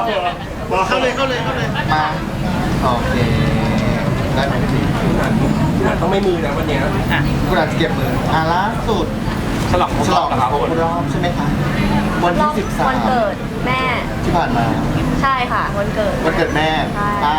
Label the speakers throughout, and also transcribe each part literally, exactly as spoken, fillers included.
Speaker 1: เข้าเลยเข้าเลยเข้าเลย
Speaker 2: มาโอเคได้ไหมพี่
Speaker 3: ต้องไม่มือนะวันนี้อ่ะ
Speaker 2: คุณอาจจะเก็บมืออ่ะล่าสุด
Speaker 3: ฉลอง
Speaker 2: ฉลองครบรอบใช่ไหมคะวันที่สิบสาม
Speaker 4: วันเกิดแม่
Speaker 2: ที่ผ่านมา
Speaker 4: ใช่ค่ะวันเกิด
Speaker 2: วันเกิดแม่ป้า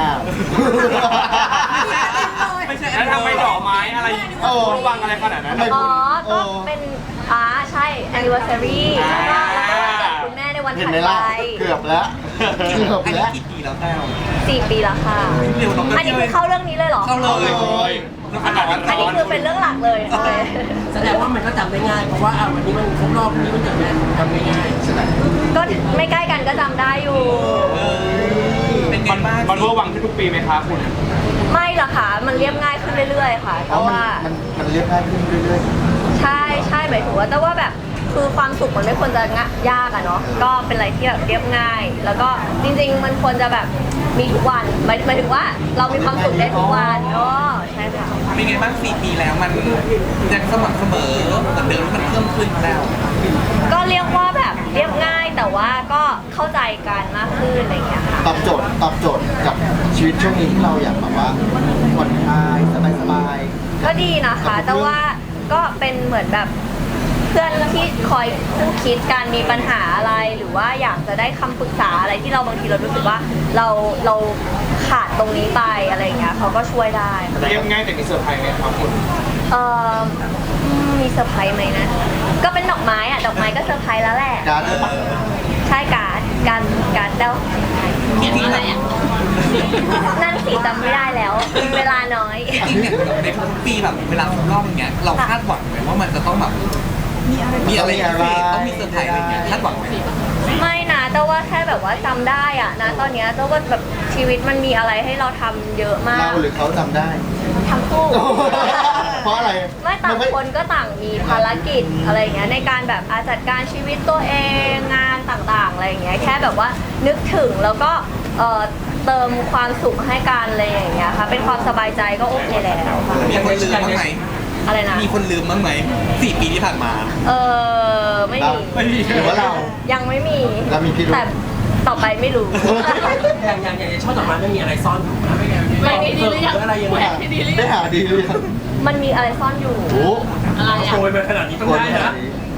Speaker 3: ไม่ใช่แล้วทำไมดอกไม้อะไรระวังอะไรขนาดนั้น
Speaker 4: อ๋อก็เป็นอ่าใช่ anniversary แล้วก็คุณแม่ในวันถัดไป
Speaker 2: เกือบแล้วเกือบแล้ว
Speaker 3: กี่ปีแล้วแต้ว
Speaker 4: สี่ปีแล้วค่ะอันนี้คือเข้าเรื่องนี้เลยเหรอ
Speaker 3: เข้าเลย
Speaker 4: อันนี้คือเป็นเรื่องหลักเลย
Speaker 3: แสดงว่ามันก็จำได้ง่ายเพราะว่าวันนี้มันครบรอบนี้มันจะจำได้ง่าย
Speaker 2: ใช่ไหม
Speaker 4: ก็ไม่ใกล้กันก็จำได้อยู่
Speaker 3: เป็นมันมันเวอร์วังขึ้นทุกปีไหมคะคุณ
Speaker 4: ไม่หรอกค่ะมันเรียบง่ายขึ้นเรื่อยๆค่ะเพราะว่า
Speaker 2: มันมันเรียบง่ายขึ้นเรื่อย
Speaker 4: ๆใช่ใช่หมายถึงว่าแต่ว่าแบบคือความสุขมันไม่ควรจะยากอะเนาะก็เป็นอะไรที่แบบเรียบง่าย แล้วก็จริงๆมันควรจะแบบมีทุกวันหมายหมายถึงว่าเรามีความสุขได้ทุกวันอ๋อใช่ค่ะ
Speaker 3: เป็นไงบ้างสี่ปีแล้วมันยังสม่ำเสมอเหมือนเดิมมันเพิ่มขึ้นแล้ว
Speaker 4: ก็เรียกว่าแบบเรียบง่ายแต่ว่าก็เข้าใจกันมากขึ้นอะไรอย่างเงี้ยค่ะ
Speaker 2: ตอบโจทย์ตอบโจทย์กับชีวิตช่วงนี้ที่เราอยากแบบว่าผ่อนคลายสบาย
Speaker 4: ๆก็ดีนะคะแต่ว่าก็เป็นเหมือนแบบเพื่อนที่คอยคู่คิดการมีปัญหาอะไรหรือว่าอยากจะได้คำปรึกษาอะไรที่เราบางทีเรารู้สึกว่าเราเราขาดตรงนี้ไปอะไรอย่างเงี้ยเขาก็ช่วยได้
Speaker 3: เรียบง่ายแต่มีเซอร์ไพรส์ไหมครับคุณ
Speaker 4: เอ่อมีเซอร์ไพรส์ไหมนะก็เป็นดอกไม้อะดอกไม้ก็เซอร์ไพรส์แล้วแหละ
Speaker 2: การ์ดด้วยปะ
Speaker 4: ใช่การ์ดการการ์ดเดา
Speaker 3: อะไรอ่ะ
Speaker 4: นั่นสิจำไม่ได้แล้วเวลาน้อย
Speaker 3: ในทุกปีแบบเวลาครบรอบอย่างเงี้ยเราคาดหวังไหมว่ามันจะต้องแบบมีอะไรต้องมีเซอร์ไพรส์อะไรเงี้ยคาดหวังไหม
Speaker 4: ไม่นะแต่ว่าแค่แบบว่าจำได้อะนะตอนเนี้ยแต่ว่าแบบชีวิตมันมีอะไรให้เราทำเยอะมาก
Speaker 2: เราหรือเขาจำได้
Speaker 4: ทั้งคู่
Speaker 2: เพราะอะไร
Speaker 4: ไม่ต่างคนก็ต่างมีภารกิจอะไรอย่างเงี้ยในการแบบอาจัดการชีวิตตัวเองงานต่างๆอะไรอย่างเงี้ยแค่แบบว่านึกถึงแล้วก็เอ่อเติมความสุขให้กันอะไรอย่างเงี้ยค่ะเป็นความสบายใจก็โอเคแล้วค่ะ
Speaker 3: มีคนลืมบ้างไหม
Speaker 4: อะไรนะ
Speaker 3: มีคนลืมบ้างไหมสี่ปีที่ผ่านมา
Speaker 4: เออไม่มี
Speaker 3: ไม่มี
Speaker 2: หรือว่าเรา
Speaker 4: ยังไม่มี
Speaker 2: เรามีพี่รู้
Speaker 4: แต่ต่อไปไม่รู้
Speaker 3: อย่างอย่างอย่างชอบดอกไม้ไม่มีอะไรซ่อนอยู่นะ
Speaker 4: ไม่มีดีหรือยัง
Speaker 3: อะไรยังไง
Speaker 2: ได้หาดีหรือยัง
Speaker 4: มันมีอะไรซ่อนอยู่
Speaker 2: โอ้
Speaker 4: อะไรอ่ะ
Speaker 3: โวยมาขนาดนี้ต้องได้นะ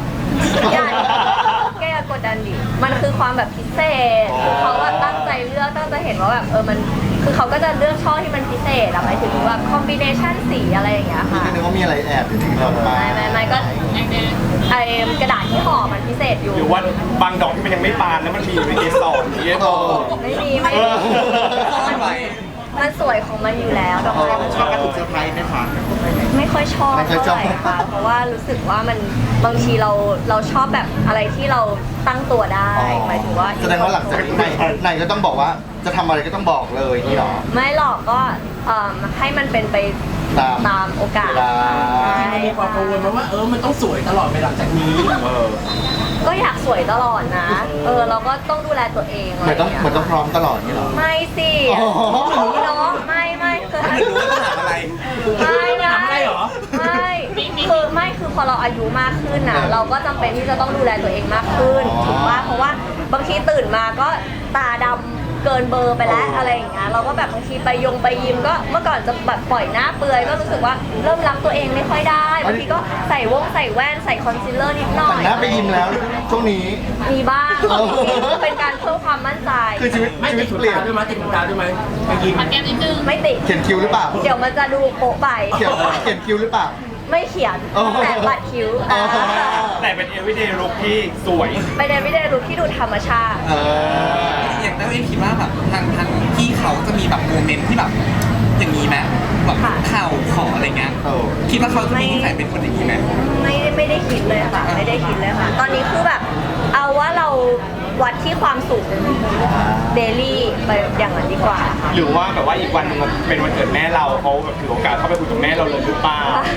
Speaker 4: แก้กดดันดิมันคือความแบบพิเศษเขาแบบตั้งใจเลือกตั้งใจเห็นว่าแบบเออมันคือเขาก็จะเลือกช่อที่มันพิเศษอะหมายถึงว่าคอมบิเนชันสีอะไรอย่างเงี้ยค่ะ
Speaker 2: ไม่นึกว่ามีอะไรแอบอยู่ถึงดอกไม้
Speaker 4: ไม่ไม่ก็ไอกระดาษที่ห่อมันพิเศษอยู่
Speaker 3: หรือว่าบางดอกที่มันยังไม่บานแล้วมันมีเป็นเกสรอย่างเงี้ย
Speaker 4: ไม่มีไม่มีมันสวยของมันอยู่แล้วดอกไม้มัน
Speaker 2: ชอบกระถูกเซอร์ไพรส์ไหมคะ
Speaker 4: ไม่ค่อยชอบเท่าไหร่ค่ะเพราะว่ารู้สึกว่ามันบางทีเราเราชอบแบบอะไรที่เราตั้งตัวได้หมายถึงว่า
Speaker 2: แสดงว่าหลังจากไหนไหนก็ต้องบอกว่าจะทำอะไรก็ต้องบอกเลยนี่หรอ
Speaker 4: ไม่หรอกก็ให้มันเป็นไปตามตามโอกาส
Speaker 3: มีความกังวลว่าเออมันต้องสวยตลอดไปหลังจากนี้
Speaker 4: ก็อยากสวยตลอดนะเออเราก็ต้องดูแลตัวเอง
Speaker 2: เหมือนต้องเหมือนต้องพร้อมตลอดนี่หรอ
Speaker 4: ไม่สิพี่น้องไม่ไม่คือ
Speaker 3: ไม่รู้ว่าถามอะไร
Speaker 4: ไม่ไม่
Speaker 3: หรอ
Speaker 4: ไม่คือไม่คือพอเราอายุมากขึ้นนะเราก็จำเป็นที่จะต้องดูแลตัวเองมากขึ้นถูกป่ะเพราะว่าบางทีตื่นมาก็ตาดำเกินเบอร์ไปแล้วอะไรอย่างเงี้ยเราก็แบบบางทีไปยงไปยิมก็เมื่อก่อนจะแบบปล่อยหน้าเปลือยก็รู้สึกว่าเริ่มรักตัวเองไม่ค่อยได้บางทีก็ใส่วงใส่แว่นใส่คอนซีลเลอร์นิดหน่อย
Speaker 2: หน้าไปยิมแล้วช่วงนี้
Speaker 4: มีบ้างเป็นการเพิ่มความมั่นใจ
Speaker 2: คือชีวิตชีวิตเปลี่ยน
Speaker 3: ด้วยมั้ยติดตาด้วยมั้ยไปยิม
Speaker 4: แก้มนิดนึงไม่ติด
Speaker 2: เขียนคิ้วหรือเปล่า
Speaker 4: เดี๋ยวมันจะดูโป๊ะไป
Speaker 2: เขียนเขียนคิ้วหรือเปล่า
Speaker 4: ไม่เขียนแต่บัดคิ้ว
Speaker 3: แต่เป็น everyday look ที่สวย
Speaker 4: เป็น everyday look ที่ดูธรรมชาติ
Speaker 3: อย่างนั้นเองคิดว่าแบบทางทางพี่เขาจะมีแบบโมเมนต์ที่แบบอย่างนี้ไหมแบบข่าวขออะไรเงี้ยคิดว่าเขาจะมีนิสัยเป็นคนอย่างนี้ไหม
Speaker 4: ไม่ไม่ได้คิดเลยค่ะไม่ได้คิดเลยค่ะตอนนี้คือแบบเอาว่าเราวัดที่ความสุขเดลี่ไปอย่างนั้นดีกว่า
Speaker 3: หรือว่าแบบว่าอีกวันนึงเป็นวันเกิดแม่เราเขาแบบถือโอกาสเข้าไปคุยกับแม่เราเลยหรือเปล่า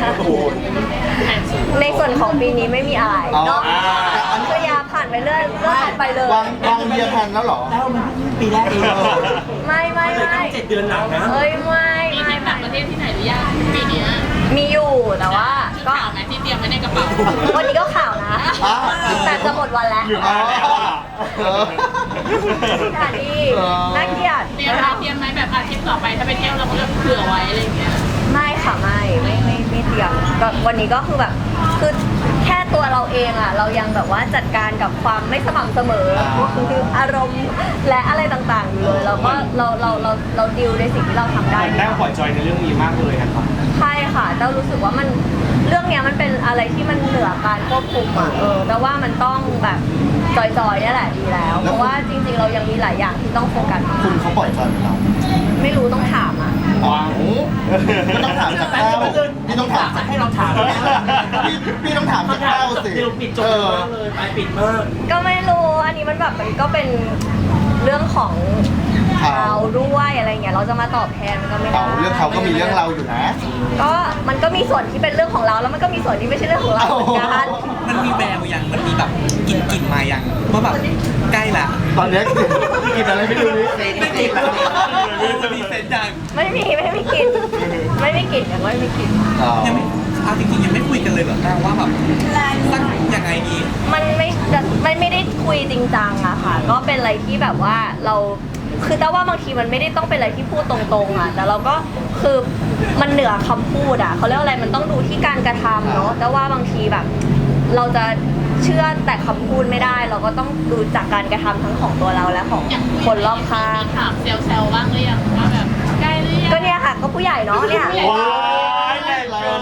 Speaker 4: ในส่วนของปีนี้ไม่มีอะไรเนาะก็ยาผ่านไปเรื่อยเรื่อยไปเลยว
Speaker 2: างวางเบียร์แพนแล้วหรอ
Speaker 3: แล้วมันปีแรกเอง
Speaker 4: ไม่ไม่ไม่
Speaker 3: เจ็ดเดือนหลังนะ
Speaker 4: เฮ้ยไม่ไม่
Speaker 5: ต่างประเทศที่ไหนหรือยังปีนี้
Speaker 4: มีอยู่แต่ว่า
Speaker 5: ก็ข่าวไหมที่เตรียมไว้ในกระเป๋า
Speaker 4: วันนี้ก็ข่าวนะแต่จะหมดวันแล้วค่ะดีน่าเกลียด
Speaker 5: เตรียมอะไรเตรียมไหมแบบอาทิตย์ต่อไปถ้าไปเที่ยวเราก็จะเผื่อไว้อะไรอย่างเงี้ย
Speaker 4: ไม่ค่ะไม่ไม่ไม่ไม่เตรียมแบบวันนี้ก็คือแบบคือแค่ตัวเราเองอ่ะเรายังแบบว่าจัดการกับความไม่สม่ำเสมอคืออารมณ์และอะไรต่างๆอยู่เลยเราก็เราเราเราเราดิวในสิ่งที่เราทำได้
Speaker 1: แต้วปล่อยจอยในเรื่องนี้มากเลยนะครับ
Speaker 4: ใช่ค่ะเต้ารู้สึกว่ามันเรื่องเนี้ยมันเป็นอะไรที่มันเหนือการควบคุมอ่ะเออแต่ว่ามันต้องแบบจอยๆนี่แหละดีแล้ว เพราะว่าจริงๆเรายังมีหลายอย่างที่ต้องโฟกัส
Speaker 2: คุณเขาปล่อยจอยเหมือนเรา
Speaker 4: ไม่รู้ต้องถามอ่ะ
Speaker 1: ว้าว
Speaker 2: ก็ต้องถามจากแต้วพี่ต้องถาม
Speaker 6: ให้เราถาม
Speaker 2: พี่พี่ต้องถามจากแต้วสิ
Speaker 6: เดี๋ยวปิดจบมากเลยไปปิดมาก
Speaker 4: ก็ไม่รู้อันนี้มันแบบมันก็เป็นเรื่องของเขาด้วยอะไรเงี้ยเราจะมาตอบแทนมันก็ไม่ได้
Speaker 2: เอาเรื่องเขาก็มีเรื่องเราอยู่นะ
Speaker 4: ก็มันก็มีส่วนที่เป็นเรื่องของเราแล้วมันก็มีส่วนที่ไม่ใช่เรื่องของเราเหมือนกัน
Speaker 3: มันมีแววยังมันมีแบบกลิ่นกลิ่นมายังว่าแบบใกล้ละ
Speaker 2: ตอนนี้กินอะไรไม่รู้นี่
Speaker 3: ไม่กลิ่นแล้วมีเซนยัง
Speaker 4: ไม่มีไม่มีกลิ่นไม่มีกลิ่นยังไม่มีกลิ่น
Speaker 2: อ๋อ
Speaker 3: ยังไม่เอาจริงๆยังไม่คุยกันเลยเหรอแต่ว่าแบบสักยังไงดี
Speaker 4: มันไม่มันไม่ได้คุยจริงจังอะค่ะ ก็เป็นอะไรที่แบบว่าเราคือแต่ว่าบางทีมันไม่ได้ต้องเป็นอะไรที่พูดตรงๆอะแต่เราก็คือมันเหนือคำพูดอะเขาเรียกว่าอะไรมันต้องดูที่การกระทำเนาะแต่ว่าบางทีแบบ เราจะเชื่อแต่คำพูดไม่ได้ เราก็ต้องดูจากการกระทำทั้งของตัวเราและของคนรอบข้าง
Speaker 5: มีถามเซลเซลบ้างหรือยังว่าแบบใกล้หรือยัง
Speaker 4: ก็เนี่ยค่ะก็ผู้ใหญ่เนาะเนี่ย
Speaker 1: ว้ายแรงเกิน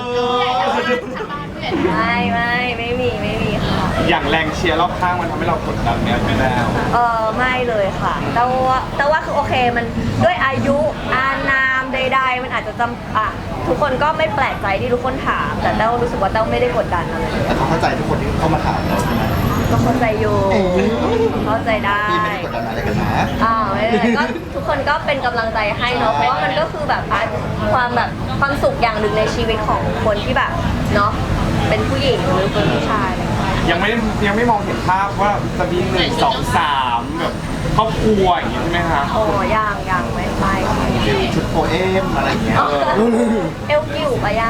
Speaker 4: ไม่ไม่ไม่มีไม่มีค่ะ
Speaker 1: อย่างแรงเชียร์รอบข้างมันทำให้เรากดดันไหมไม่แล้ว
Speaker 4: เออไม่เลยค่ะแต่ว่าแต่ว่าคือโอเคมันด้วยอายุอานามใดๆมันอาจจะจำอ่ะทุกคนก็ไม่แปลกใจที่ทุกคนถาม แต่เต้ารู้สึกว่าเต้าไม่ได้กดดันอะไร
Speaker 2: แต่เขาเข้าใจทุกคนที่เข้ามาถามเราใช่ไหม
Speaker 4: ก็เข้าใจอยู่
Speaker 2: เอ๊ะ
Speaker 4: เข้าใจได้
Speaker 2: พี่ไม่ได้กดดันอะไรกันนะ
Speaker 4: อ่าไม่เป็นไรก็ทุกคนก็เป็นกำลังใจให้เนาะเพราะว่ามันก็คือแบบอ่ะความแบบความสุขอย่างหนึ่งในชีวิตของคนที่แบบเนาะเป็นผู้หญิงหรือเป็นผู้ชายอะไรอย่างเงี้ย
Speaker 1: ยังไม่ได้ยังไม่มองเห็นภาพว่าจะมีหนึ่งสองสามแบบครอบครัวอย่างนี้ใช่ไหมคะ
Speaker 4: โอ้ยังยังไม่ไป
Speaker 2: ชุดโพเอมอะไรอย่างเงี้ย
Speaker 4: เอลกิ้วปะย่าง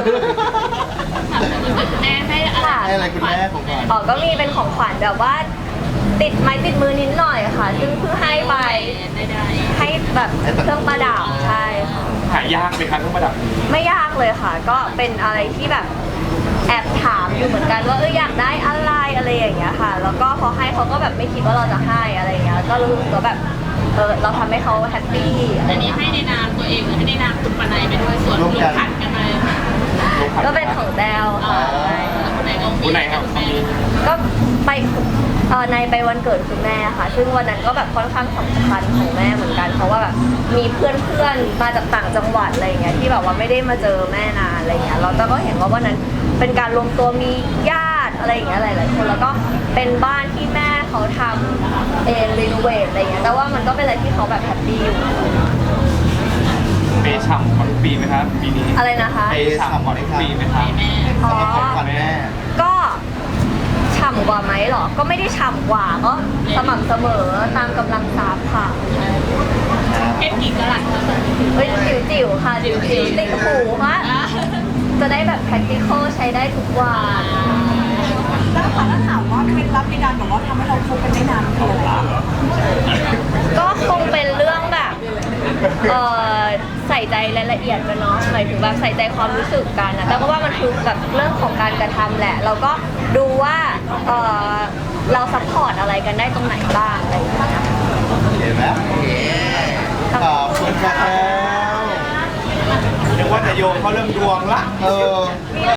Speaker 5: แม่ให้อะไร
Speaker 4: ค่ะ
Speaker 2: ให้อะไรคุณแม่ของขวัญ
Speaker 4: อ๋อก็มีเป็นของขวัญแบบว่า ติดไม้ติดมือนิดหน่อยค่ะ ซึ่งเพิ่งให้ไป
Speaker 5: ได้
Speaker 4: ให้แบบเครื่องประดับใช่ค่ะ
Speaker 1: หายากไหมคะเครื่องประดับนี้
Speaker 4: ไม่ยากเลยค่ะ ก็เป็นอะไรที่แบบแอบถามอยู่เหมือนกันว่าเอออยากได้อะไรอะไรอย่างเงี้ยค่ะ แล้วก็พอให้เขาก็แบบไม่คิดว่าเราจะให้อะไรอย่างเงี้ย ก็รู้สึกว่าแบบเออเราทำให้เขาแฮปปี้อะไร
Speaker 5: อัน
Speaker 4: อย่าง
Speaker 5: นี้
Speaker 4: เงี้ย
Speaker 5: ให้ในนามตัวเองหรือให้ในนามคุณปนัยไปด้วยส่วนคุณขัดกันไหม
Speaker 4: ก็เป็นของแดว
Speaker 5: อ่า
Speaker 4: ค่ะ
Speaker 5: คุณไหนก็มี
Speaker 1: คุณไหนครับ
Speaker 5: คุณแม่
Speaker 4: ก็ไปเออในไปวันเกิดคุณแม่ค่ะ ซึ่งวันนั้นก็แบบค่อนข้างสำคัญของแม่เหมือนกัน เพราะว่าแบบมีเพื่อนเพื่อนๆมาจากต่างจังหวัดอะไรอย่างเงี้ยที่แบบว่าไม่ได้มาเจอแม่นานอะไรเงี้ยเราก็เห็นว่าวันนั้นเป็นการรวมตัวมีญาติอะไรอย่างเงี้ยหลายๆคนแล้วก็เป็นบ้านที่แม่เขาทำเองรีโนเวทอะไรเงี้ยแต่ว่ามันก็เป็นอะไรที่เขาแบบแฮปปี้อยู่
Speaker 1: เปย์ฉ่ำกว่าทุกปีไหมครับปีนี้
Speaker 4: อะไรนะคะ
Speaker 1: เปย์ฉ่ำกว่าทุกปีไหมครับ
Speaker 5: แม่
Speaker 4: อ๋อ
Speaker 2: สำหรับของขวัญแม่
Speaker 4: ก็ฉ่ำกว่าไหมเหรอ ก็ไม่ได้ฉ่ำกว่าก็สม่ำเสมอตามกำลังทรัพย์ค่ะ
Speaker 5: เพชรกี่กะลัดคะ
Speaker 4: เฮ้ยจิ๋วจิ๋วๆค่ะจิ๋วจิ๋วๆติดหูว่า
Speaker 5: อ่า
Speaker 4: จะได้แบบ practical ใช้ได้ทุกวัน
Speaker 7: แล้วค่ะถ้าถามว่าเคล็ดลับในการแบบว่าทำให้เราคบกันได้นานคืออะไร
Speaker 4: ก็คงเป็นเรื่องแบบเออใส่ใจรายละเอียดกันเนาะหมายถึงแบบใส่ใจความรู้สึกกันนะแต่ก็ว่ามันคือแบบเรื่องของการกระทำแหละ เราก็ดูว่าเออเราซัพพอร์ตอะไรกันได้ตรงไหนบ้างอะไรอย่างเงี้ย
Speaker 2: เห็นไหมขอบคุณครับ
Speaker 1: เรียกว่าจะโยงเขาเรื่องดวงละ
Speaker 2: เออ